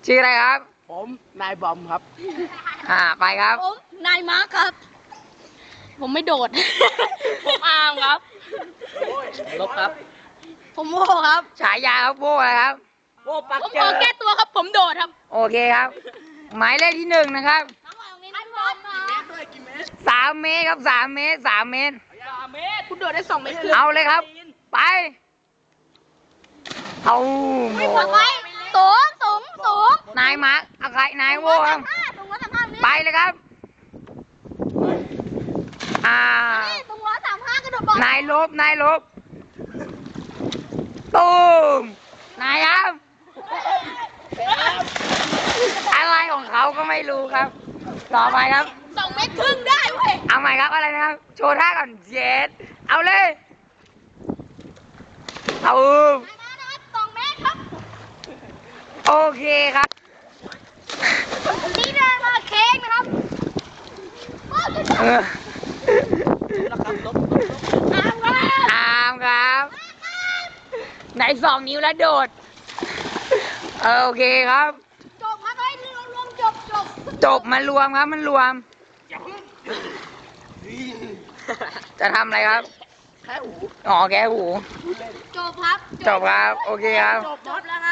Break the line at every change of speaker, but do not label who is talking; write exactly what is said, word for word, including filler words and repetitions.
ชื่ออะไรครับ
ผมนายบอมครับ
อ่าไปครับ
ผมนายมาร์คครับผมไม่โดดผมอาร์มครับ
ลบครับ
ผมโม่ครับ
ฉายาครับโบ้อะไรครับ
โอ้ปัก
ผม
เจ
ขอ
อ
แก้ตัวครับผมโดดครับ
โอเคครับ หมายเลขที่หนึ่งนะครับสามเมตรครับสามเมตรสามเมตร
เมตรคุณโดดได้สองเมตร
เอาเลยครับ ไปเอาโห
สูงสูงสูง
นายมาร์คอะไรนายโว้ครับ
สูงร้อยสามห้า
ไปเลยครับอ่า
สูงร้อยสามห้ากระโดดบอล
นายลบนายลบตูมนายครับอะไรของเขาก็ไม่รู้ครับ ต่อไปครับ
สองเมตรครึ่งได้เว้ย
เอาใหม่ครับอะไรนะครับ โชว์ท่าก่อนเจ็ดเอาเลยเอา
สองเมตรครับ
โอเคครับ
นี่เดินมาเค้กนะครับ
เออ
แล้วครับลบ
อาร์มครับ
อามครับไหนสองนิ้วแล้วโดดเออโอเคครับ
จบครับเฮ้ยรวมรวมจบจบ
จบมันรวมครับมันรวม จะทำอะไรครับ
แค่หู
อ๋อแกหู
จบครับ
จบครับ โอเคครับ
จบแล้วครับ